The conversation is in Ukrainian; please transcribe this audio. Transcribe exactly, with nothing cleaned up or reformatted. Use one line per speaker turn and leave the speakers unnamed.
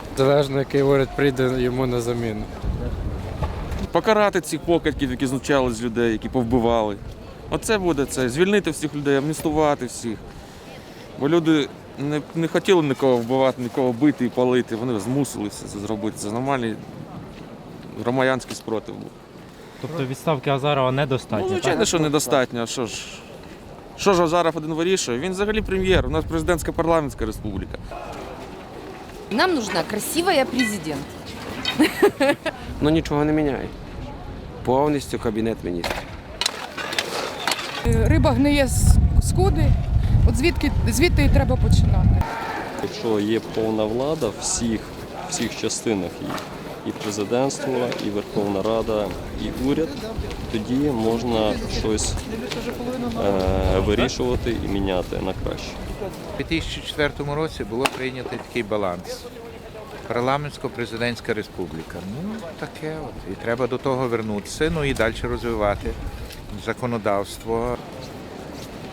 Залежно, який уряд прийде йому на заміну.
Покарати цих покидьків, які знущали з людей, які повбивали. Оце буде це. Звільнити всіх людей, амністувати всіх. Бо люди не, не хотіли нікого вбивати, нікого бити і палити. Вони змусили це зробити. Це нормальний громадянський спротив був.
Тобто відставки Азарова недостатньо?
Ну, звичайно, що недостатньо. А що ж? Що ж Азаров один вирішує? Він взагалі прем'єр. У нас президентська парламентська республіка.
Нам нужна красивая президент.
Ну нічого не міняє. Повністю Кабінет Міністрів.
Риба гниє з скуди, от звідки, звідти і треба починати.
Якщо є повна влада в всіх, всіх частинах її, і президентство, і Верховна Рада, і уряд, тоді можна щось е, вирішувати і міняти на краще.
У дві тисячі четвертому році було прийнято такий баланс. Парламентсько-президентська республіка. Ну, таке от. І треба до того вернутися, ну і далі розвивати законодавство.